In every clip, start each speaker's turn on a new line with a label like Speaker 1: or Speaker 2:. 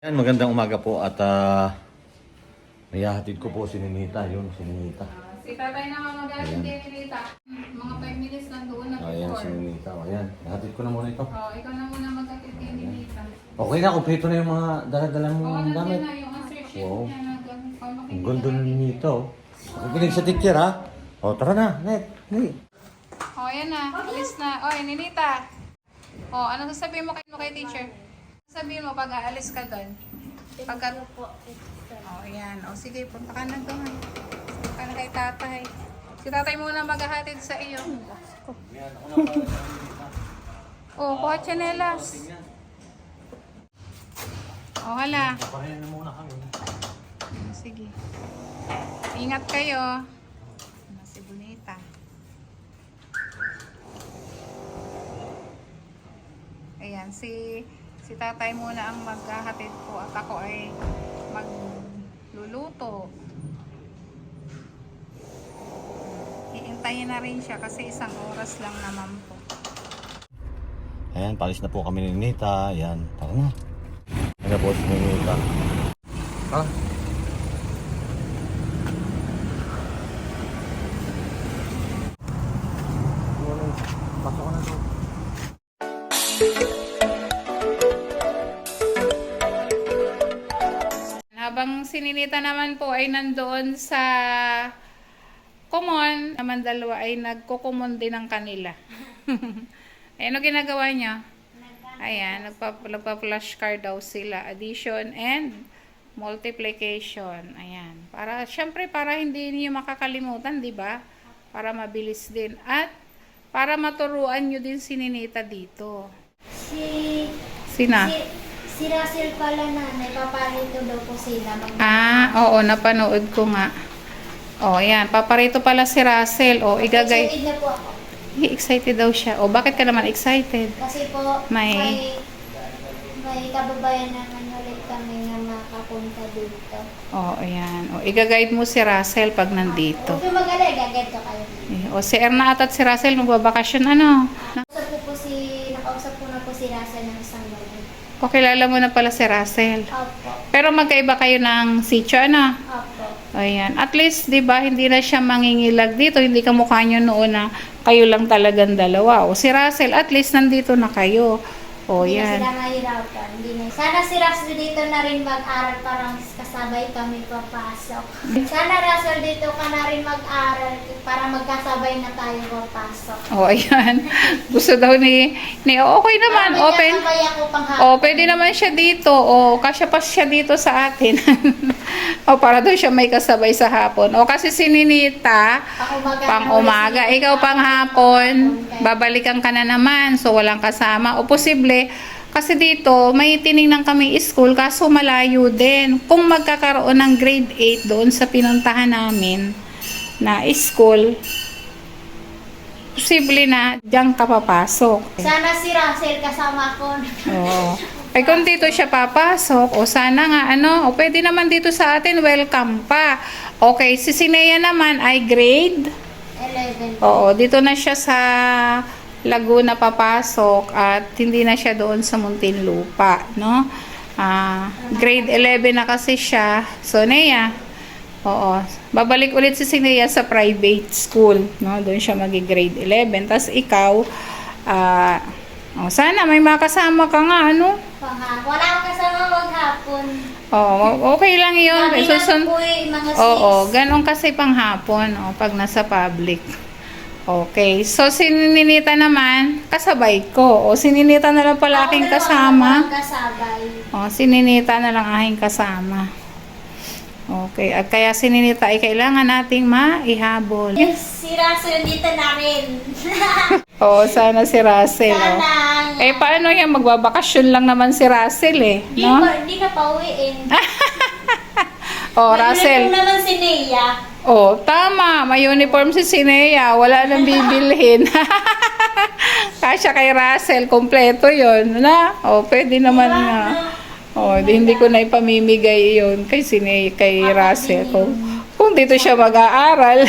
Speaker 1: Yan, magandang umaga po at may hahatid ko po si Ninita. Yun, si Ninita.
Speaker 2: Si tatay naman mag-asin kay Ninita. Mga 5 minutes lang doon na
Speaker 1: Ayan, si Ninita. Ayan, hahatid ko na muna ito.
Speaker 2: ikaw na muna mag-asin kay Ninita.
Speaker 1: Okay na, kompleto na yung mga dala-dala mong
Speaker 2: Nandiyan
Speaker 1: gamit.
Speaker 2: na yung answer sheet
Speaker 1: Wow.
Speaker 2: niya na
Speaker 1: Ang ganda na Ninita, oh. Nakikinig sa teacher, ha? O, tara na, net.
Speaker 2: Ayan na. Alis na. Ninita. Ano sasabihin mo kay teacher? Sabihin mo pag aalis ka doon. Pagka... ayan. Sige, punta ka na doon. Punta ka na kay tatay. Si tatay muna maghahatid sa iyo. Kuha tsinelas. Hala.
Speaker 1: Papahin na muna kami.
Speaker 2: Sige. Ingat kayo. Si Bonita. Ayan, si tatay muna ang maghahatid po at ako ay magluluto. Iintayin na rin siya kasi 1 oras lang naman po.
Speaker 1: Ayan, palis na po kami ni Ninita. Ayan, tara na. Ayan na po si Ninita. Ha? Pasok ka na to.
Speaker 2: Habang si Ninita naman po ay nandoon sa common, naman dalawa ay nagko-common din ng kanila. Ano ginagawa niya? Ayan, nagpa-flashcard daw sila. Addition and multiplication. Ayan. Para, syempre, para hindi niyo makakalimutan, di ba? Para mabilis din. At, para maturuan nyo din si Ninita dito. Sina?
Speaker 3: Si Russell pala na, paparito daw po sila.
Speaker 2: Oo, napanood ko nga. Ayan, paparito pala si Russell. Igagay.
Speaker 3: Excited na po ako.
Speaker 2: Excited daw siya. Bakit ka naman excited?
Speaker 3: Kasi po, may kababayan naman ulit kami na makapunta dito.
Speaker 2: Ayan. Igaguide mo si Russell pag nandito.
Speaker 3: Huwag yung mag-alay, gagad ko kayo.
Speaker 2: Si Erna at si Russell, magbabakasyon ano?
Speaker 3: Nakausap po na po si Russell ng isang gabi.
Speaker 2: Kilala mo na pala si Russell.
Speaker 3: Opo.
Speaker 2: Pero magkaiba kayo ng sitio, ano?
Speaker 3: Opo.
Speaker 2: Ayan. At least, di ba, hindi na siya mangingilag dito. Hindi ka mukha nyo noon na kayo lang talagang dalawa. Si Russell, at least nandito na kayo.
Speaker 3: Hindi
Speaker 2: Yan.
Speaker 3: na sila mahirapan. Sana si Russell dito na rin mag-aral parang kasabay kami papasok. Sana Russell dito ka na rin mag-aral para magkasabay na tayo papasok.
Speaker 2: Ayan. Gusto daw ni okay naman. Open.
Speaker 3: Ako pang hapon.
Speaker 2: Pwede naman siya dito. Kasya pa siya dito sa atin. Para daw siya may kasabay sa hapon. Kasi si Ninita, pang umaga. Ikaw pang hapon. Babalikan ka na naman. So, walang kasama. Posible, kasi dito, may tiningnan kami school, kaso malayo din. Kung magkakaroon ng grade 8 doon sa pinuntahan namin na school, posible na diyan ka papasok.
Speaker 3: Sana si Russell kasama ko.
Speaker 2: Kung dito siya papasok, sana nga, pwede naman dito sa atin, welcome pa. Okay, si Sinea naman ay grade
Speaker 3: 11.
Speaker 2: Dito na siya sa Laguna papasok at hindi na siya doon sa Muntinlupa, no? Grade 11 na kasi siya. So, Nea, babalik ulit si Sinea sa private school, no? Doon siya grade 11. Tapos ikaw, sana may makasama ka nga, ano?
Speaker 3: Wala akong kasama maghapon.
Speaker 2: Okay lang yun.
Speaker 3: Sabi lang po mga 6.
Speaker 2: Ganon kasi panghapon, pag nasa public. Okay, so si Ninita naman, kasabay ko. Si Ninita na lang pala aking kasama. Si Ninita na lang aking kasama. Okay, at kaya si Ninita ay kailangan nating maihabol.
Speaker 3: Yes, si Russell dito na rin.
Speaker 2: Sana si Russell.
Speaker 3: Sana.
Speaker 2: Paano yan? Magbabakasyon lang naman si Russell, no?
Speaker 3: Hindi na pauwiin.
Speaker 2: Russell.
Speaker 3: May naman si Nea.
Speaker 2: Tama. May uniform si Sinea. Wala nang bibilhin. Kasya kay Russell. Kompleto yun. Pwede naman nga. Hindi ko na ipamimigay yun kay Sinea, kay Russell. Kung dito siya mag-aaral.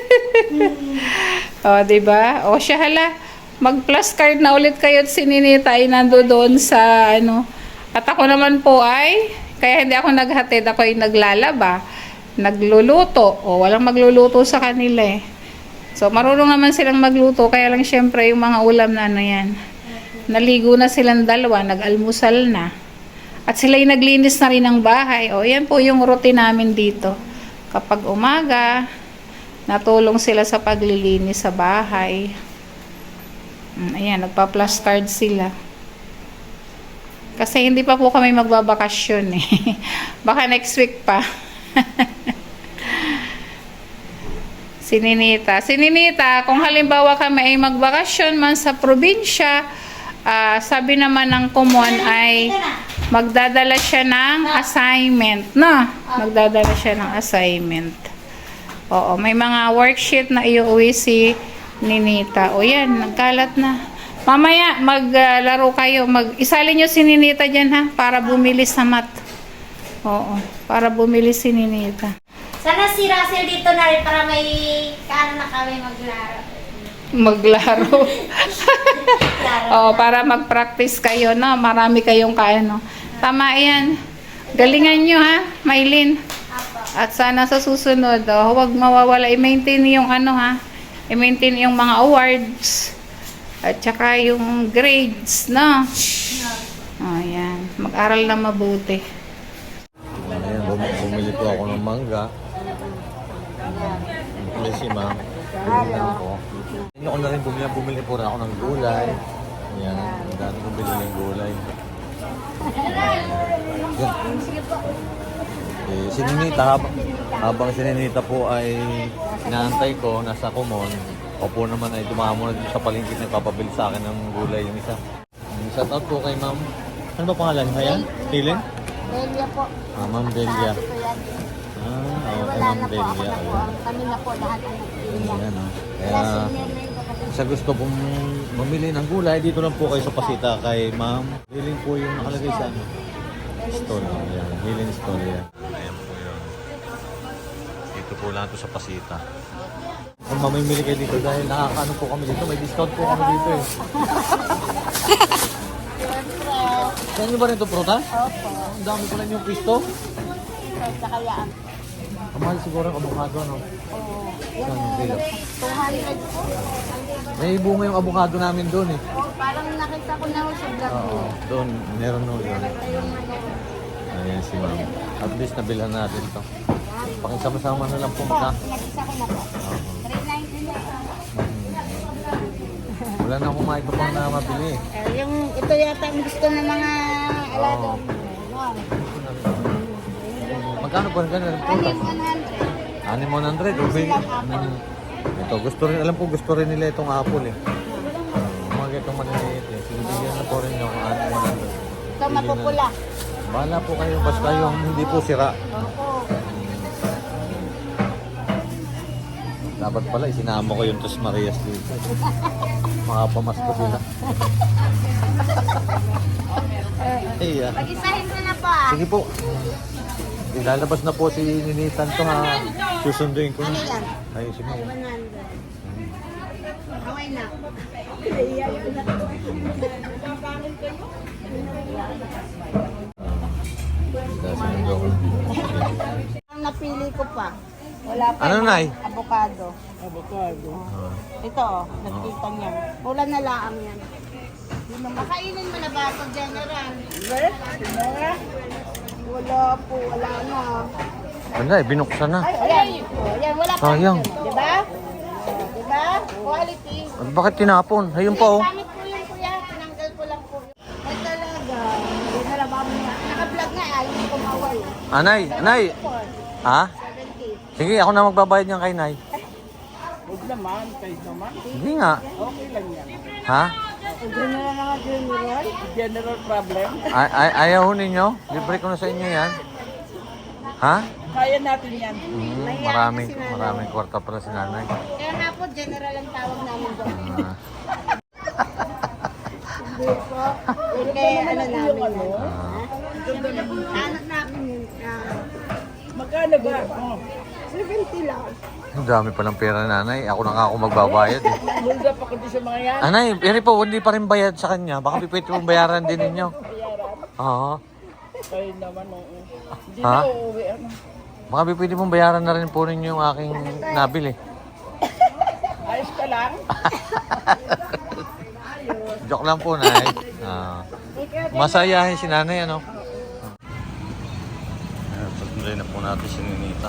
Speaker 2: Diba? Siya hala. Mag-plus card na ulit kayo at si Ninita ay nandoon sa At ako naman po ay Kaya hindi ako naghatid, ako yung naglalaba, nagluluto. O, walang magluluto sa kanila eh. So, marunong naman silang magluto, kaya lang syempre yung mga ulam na ano yan. Naligo na silang dalawa, nag-almusal na. At sila yung naglinis na rin ng bahay. O, yan po yung routine namin dito. Kapag umaga, natulong sila sa paglilinis sa bahay. Ayan, nagpa-plus card sila. Kasi hindi pa po kami magbabakasyon eh. Baka next week pa. Si Ninita, kung halimbawa kami ay magbakasyon man sa probinsya, sabi naman ng Kumon ay magdadala siya ng assignment. No? Magdadala siya ng assignment. Oo, may mga worksheet na iuwi si Ninita. O yan, nagkalat na. Mamaya, maglaro kayo. Isalin nyo si Ninita dyan ha, para bumili sa mat. Oo, para bumili si Ninita.
Speaker 3: Sana si Russell dito na rin para may kaano na kami maglaro.
Speaker 2: Maglaro.
Speaker 3: Laro.
Speaker 2: Oo, para mag-practice kayo, no? Marami kayong kaano. Tama yan. Galingan nyo ha, Maylin.
Speaker 3: Apo.
Speaker 2: At sana sa susunod, huwag mawawala. I-maintain yung ano ha. I-maintain yung mga awards. At saka yung grades, no? Ayan. Mag-aral na mabuti.
Speaker 1: Ayan, bumili po ako ng mangga. Bumili si ma'am. Bumili ako. Hindi ako na rin bumili po rin ako ng gulay. Ayan, ang dami kong binili ng gulay. Ayan. Si Ninita, habang si Ninita po ay inaantay ko, nasa Kumon, ako po naman ay dumamo na dito sa palengke na nagpapabili sa akin ng gulay yung isa. Shout out po kay ma'am. Ano ba pangalan? Ayan? Helen?
Speaker 3: Delia po.
Speaker 1: Ma'am Delia.
Speaker 3: Sabi ko yan.
Speaker 1: Okay,
Speaker 3: Wala
Speaker 1: ma'am
Speaker 3: na po, ako
Speaker 1: Delia.
Speaker 3: na po. Kami na po lahat ang nagpili.
Speaker 1: Ayan,
Speaker 3: Kaya
Speaker 1: Kaya,
Speaker 3: senior na yung kapatid.
Speaker 1: sa gusto pong mamili ng gulay, dito lang po kayo sa Pasita kay ma'am. Healing po yung nakalagay sa ano. Stall. Ayan, healing stall yan. Ayan po yun. Dito po lang ito sa Pasita. Kung mamimili kayo dito dahil nakakaano po kami dito, may discount po kami dito eh. Sa inyo ba rin ito prutas?
Speaker 3: Opo.
Speaker 1: Ang dami ko lang yung pisto.
Speaker 3: Sa kayaan.
Speaker 1: Ang mahal siguro ang avocado, no?
Speaker 3: Oo.
Speaker 1: Saan yung kilo?
Speaker 3: 200 po.
Speaker 1: May bunga yung avocado namin doon eh.
Speaker 3: Oh, parang nakita ko na ho sa vlog
Speaker 1: Oo,
Speaker 3: mo.
Speaker 1: doon. Meron no yun.
Speaker 3: Yung ano.
Speaker 1: Ayan si ma'am. At least nabilhan natin to. Pakisama-sama na lang po magka.
Speaker 3: Nag-isa ko na po. 390 na.
Speaker 1: Wala na akong makita pang na mabili eh.
Speaker 3: Yung ito yata ang gusto ng mga alaga.
Speaker 1: Oo. Magkano ba ganun?
Speaker 3: Ano yung 100?
Speaker 1: 600. Okay. Ito, gusto rin, alam ko gusto rin nila itong apple eh. Mga itong maliliit eh. Sinibigyan na po rin yung 100.
Speaker 3: Ito mapupula.
Speaker 1: Bahala po kayo, basta yung hindi po sira.
Speaker 3: Opo.
Speaker 1: Dapat pala isinama ko yung Tos Marias dito. Makapamasko sila. Iya.
Speaker 3: Pag-isahin mo na po ah.
Speaker 1: Sige po. Ilalabas na po si Ninitan to ha. Susunduin ko na.
Speaker 3: Ano yan?
Speaker 1: Ay, sige.
Speaker 3: 100. Okay na.
Speaker 1: Susundo ko.
Speaker 3: Ang napili ko pa. Wala pa.
Speaker 1: Ano, Nay?
Speaker 3: Avocado. Ito oh, nagkita niyan. Wala na laang yan. Makainin mo na ba ito, General? Wala po, wala na.
Speaker 1: Wala eh, binuksan na.
Speaker 3: Ayan, ayan, wala pa.
Speaker 1: Sayang.
Speaker 3: Diba? Diba? Quality.
Speaker 1: Bakit tinapon? Ayun pa oh.
Speaker 3: Pangit po yun, kuya. Tinanggal ko lang po. Ay talaga. General, mamaya. Naka-vlog nga, ayaw mo kumaway.
Speaker 1: Anay, Anay. Ha?
Speaker 3: 70.
Speaker 1: Sige, ako na magbabayad niyan kay Nay.
Speaker 4: Huwag naman, kahit naman.
Speaker 1: Hindi nga.
Speaker 4: Okay lang yan.
Speaker 1: Ha?
Speaker 3: General na nga, General.
Speaker 4: General problem.
Speaker 1: Ayaw ho ninyo? Libre ko na sa inyo yan. Ha?
Speaker 4: Kaya natin yan.
Speaker 1: Maraming kwarta pala si nanay.
Speaker 3: Kaya nga po, General ang tawag namin doon.
Speaker 1: Ah,
Speaker 3: Kaya ano namin
Speaker 4: ano?
Speaker 3: yun.
Speaker 1: ah.
Speaker 3: Anak namin yun.
Speaker 4: Magkano ba? Oh.
Speaker 3: 70 lang.
Speaker 1: Ang dami palang pera nanay. Ako na nga ako magbabayad eh.
Speaker 4: Mulda pa kundi sa mga yan.
Speaker 1: Anay, hindi pa rin bayad sa kanya. Baka pwede mong bayaran din ninyo. Oo.
Speaker 4: Kayo naman, oo. Hindi
Speaker 1: Ha?
Speaker 4: na uuwi, ano.
Speaker 1: Baka pwede mong bayaran na rin po rin yung aking nabili.
Speaker 4: Ayos ka lang.
Speaker 1: Joke lang po, Nay. Masayahin si nanay, ano? Patuloy na po natin si Ninita.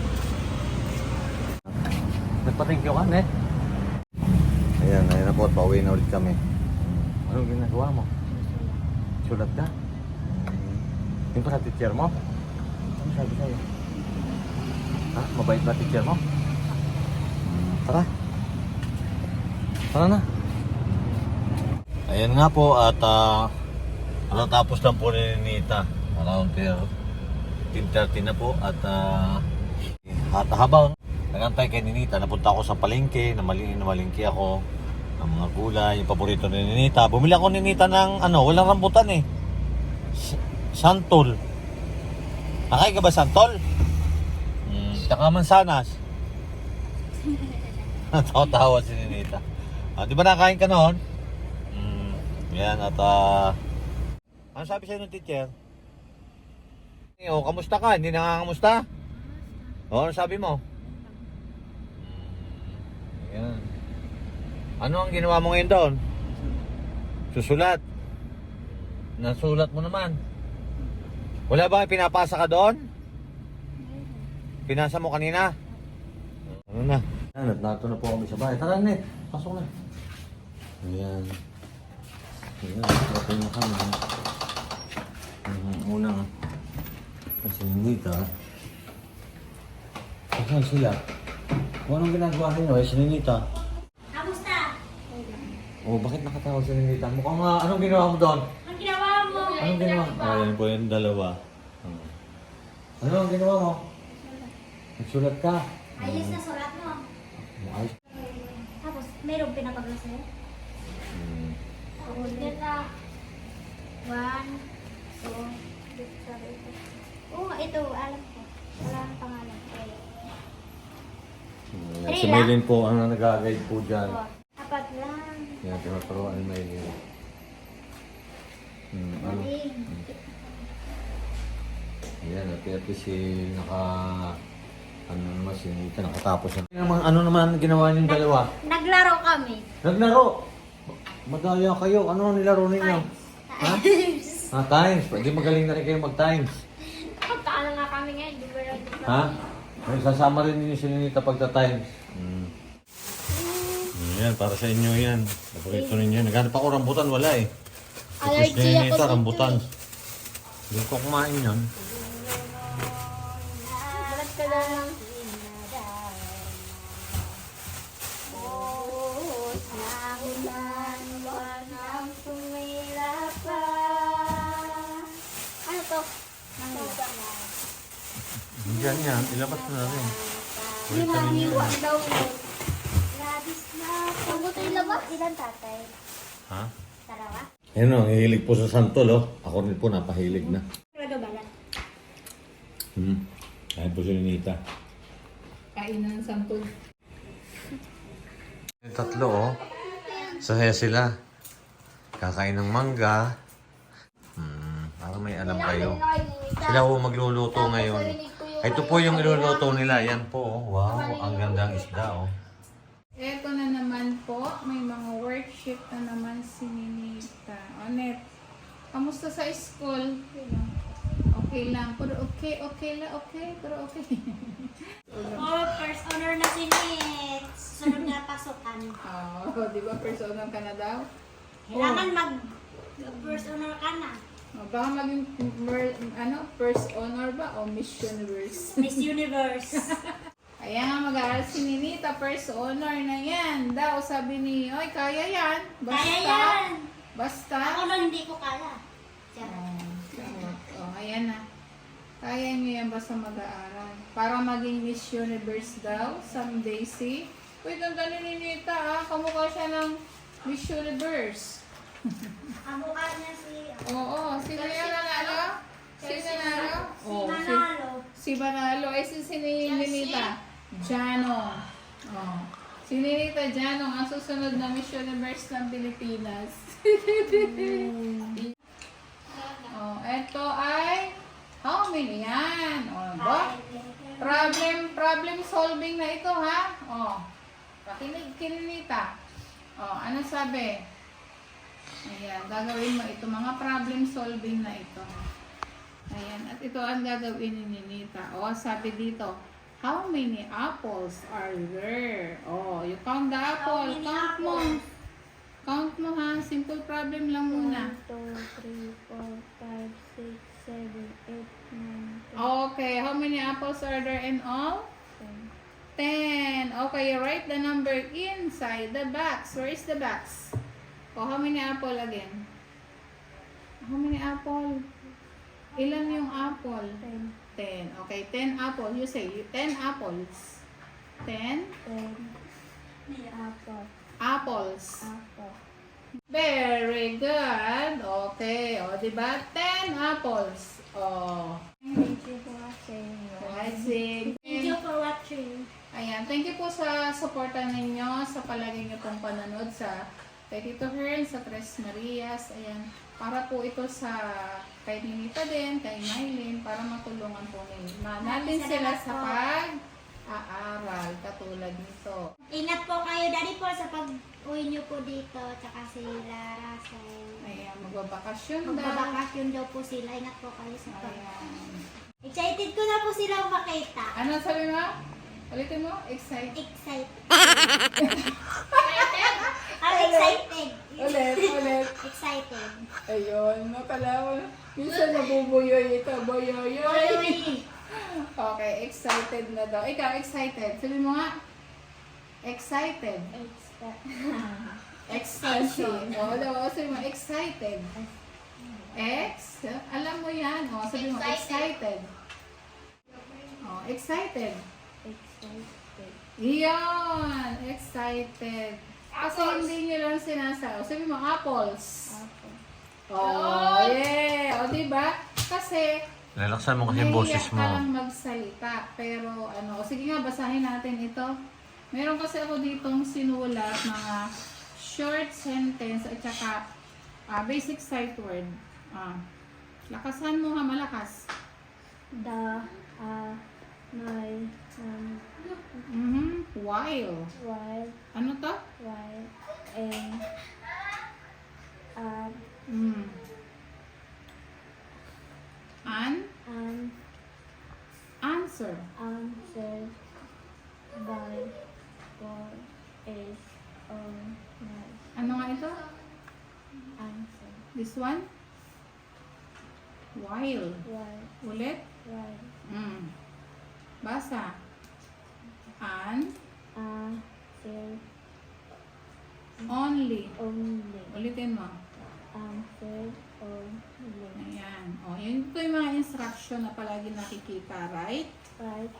Speaker 1: Nagpa-thank you ka, Net? Ayan, ayun na po. Pauwi na ulit kami. Anong ginagawa mo? Sulat ka? Yung pa teacher mo? Ano sabi sa'yo? Ha? Mabait ba teacher mo? Tara. Tara na. Ayan nga po at natapos lang po ni Ninita. Around 10:30 na po at habang nagantay kay Ninita, napunta ako sa palengke, namalingki ako ng mga gulay, yung paborito ni Ninita. Bumili ako ni Ninita ng walang rambutan eh. Santol. Nakay ka ba santol? Tsaka mansanas. Tawa-tawa si Ninita. Di ba nakain ka noon? Yan at ano sabi sa'yo ng teacher? Kamusta ka? Hindi nangangamusta? Ano sabi mo? Yan. Ano ang ginawa mo ngayon doon? Susulat. Nasulat mo naman. Wala ba pinapasa ka doon? Pinasa mo kanina? Ano na? Nato na po kami sa bahay. Tara, Net. Pasok na. Ayan. Ayan. Pasok na kami. Unang kasi Ninita. Saan sila? Kung anong ginagawa nyo si Ninita?
Speaker 3: Kamusta?
Speaker 1: Bakit nakatawag si Ninita? Mukhang anong ginawa mo doon?
Speaker 3: Ang ginawa mo?
Speaker 1: Anong ginawa? Ayan po yung dalawa. Ano ang ginawa mo? Nagsulat ka.
Speaker 3: Ayos na sulat mo.
Speaker 1: Ayos.
Speaker 3: Tapos, mayroong pinapagla sa'yo? Ulit na. 1, 2, ito, alam ko. Wala ang pangalan.
Speaker 1: Si Maylin po ang nag-guide po dyan.
Speaker 3: 4 lang.
Speaker 1: Yan, tinuturuan ni Maylin. Ano?
Speaker 3: Maling.
Speaker 1: Yan, at least naman si Ninita nakatapos na. Ano naman ginawa niyong dalawa?
Speaker 3: Naglaro kami.
Speaker 1: Naglaro! Madaya kayo. Ano ang nilaro ninyo? Ha? Times. Pwede magaling na rin kayo mag-times.
Speaker 3: Pagkaano nga kami ngayon, di ba lang?
Speaker 1: Ha? May sasama rin ninyo si Ninita pagta-times. Yan, para sa inyo yan. Paborito ninyo. Naghanap ako rambutan, wala eh. Tapos ni Ninita, rambutan. Hindi ko kumain yan.
Speaker 3: Balat ka lang. Ano to?
Speaker 1: Diyan yan, ilabas mo na rin.
Speaker 3: Hindi
Speaker 1: Ulitan ninyo
Speaker 3: mahiwa
Speaker 1: yan.
Speaker 3: daw. Labis na. Ang buto ilabas? Ilan tatay?
Speaker 1: Ha?
Speaker 3: Dalawa?
Speaker 1: Ayun o, hihilig po sa santol oh. Ako rin po napahilig na.
Speaker 3: Pero balat.
Speaker 1: Ayun po si Ninita.
Speaker 2: Kainan ng santol.
Speaker 1: Yung tatlo oh. Sasaya sila. Kakain ng mangga. Para may alam kayo. Sila po magluluto ngayon. Ito po yung iluluto nila. Yan po oh. Wow, ang gandang isda oh.
Speaker 2: Eto na naman po, may mga worksheet na naman si Ninita. Onet, kamusta sa school? Okay lang. Pero okay lang. Pero okay.
Speaker 3: Oh, first honor na si Nit. Sunod na pasukan.
Speaker 2: Di ba first honor ka na daw?
Speaker 3: Kailangan first honor ka na.
Speaker 2: Baka maging first honor ba o Miss Universe?
Speaker 3: Miss Universe.
Speaker 2: Ayan, mag-aaral si Ninita, first honor na yan. Daw, sabi ni, oy, kaya yan. Basta.
Speaker 3: Kaya yan.
Speaker 2: Basta.
Speaker 3: Ako lang hindi ko kaya.
Speaker 2: Ayan na. Kaya niyo yan basta mag-aaral. Para maging Miss Universe daw, someday si. Uy, ganda ni Ninita kamukha siya ng Miss Universe.
Speaker 3: Ang mukha niya si...
Speaker 2: Oo, sino yan nanalo? Sino nanalo? Si Manalo. Ay, si Ninita. Janong. Si Ninita Janong, ang susunod na Miss Universe ng Pilipinas. Ito ay How many yan? O, ba? Problem solving na ito, ha? O, pakinig, Kininita. O, ano sabi? Ayan, gagawin mo ito. Mga problem solving na ito. Ayan, at ito ang gagawin ni Ninita. O, sabi dito, how many apples are there? O, you count the apple.
Speaker 3: many
Speaker 2: Count mo.
Speaker 3: apples?
Speaker 2: Count mo, ha? Simple problem lang muna.
Speaker 3: 1, 2, 3, 4, 5, 6, 7, 8, 9, 10,
Speaker 2: Okay, how many apples are there in all? 10. Okay, you write the number inside the box. Where is the box? Oh, how many apple again? How many apple? Ilan yung apple? 10. Okay, 10 apple. You say 10 apples. 10 apples. Very good. Okay, o, diba? 10 apples. Oh.
Speaker 3: Thank you for watching.
Speaker 2: Rising.
Speaker 3: Thank you for watching.
Speaker 2: Ayan, thank you po sa suporta ninyo, sa palagi niyo pong panonood sa kay Tito Hearn, sa Tres Marias. Ayan, para po ito sa kay Ninita din, kay Mylene, para matulungan po natin sila sa pag-aaral, katulad nito.
Speaker 3: Ingat po kayo, Daddy po, sa pag-uwi niyo po dito, tsaka sila Russell.
Speaker 2: Ayan, magbabakasyon daw.
Speaker 3: Magbabakasyon daw po sila. Ingat po kayo sa pag...
Speaker 2: Ayan.
Speaker 3: Excited ko na po silang makita.
Speaker 2: Ano sabi mo? Ulitin mo? Excited.
Speaker 3: Excited. I'm excited.
Speaker 2: Ulit.
Speaker 3: Excited.
Speaker 2: Ayun, makalawa. Minsan nabubuyoy ito, buyoyoy. Okay, excited na daw. Ikaw, excited. Sabi mo nga, excited. Excited. O, sabi mo, excited. Alam mo yan. O, sabi mo, excited. O, excited. Iyon, excited. Kasi hindi nyo lang sinasabi. Sabi mo, apples. Oh, yeah. O, diba? Kasi,
Speaker 1: Lalaksan mo kasi yung boses
Speaker 2: nahiya ka
Speaker 1: mo.
Speaker 2: lang magsalita. Pero, sige nga, basahin natin ito. Meron kasi ako ditong sinulat mga short sentence at saka basic sight word. Lakasan mo ha, malakas. While. Ano to? Answer. Ano nga ito? This one? While. Ulit? Basa. Only. Ulitin mo. Ayan. O, yun ito yung mga instruction na palagi nakikita, right? Right.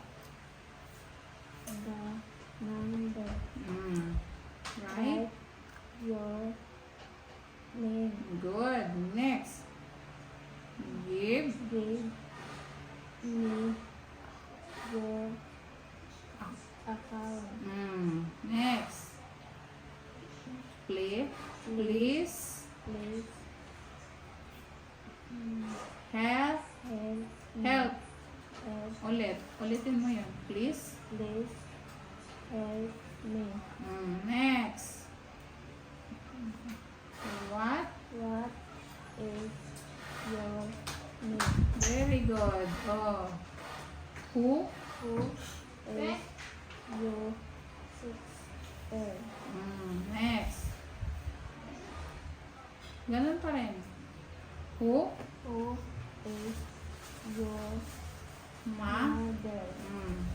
Speaker 2: Good. Next. Give. Next. Please. Help. Ulitin mo yun. Please. Next. What? Very good. Oh. Who? Next. Ganun pa rin. Who? Mother.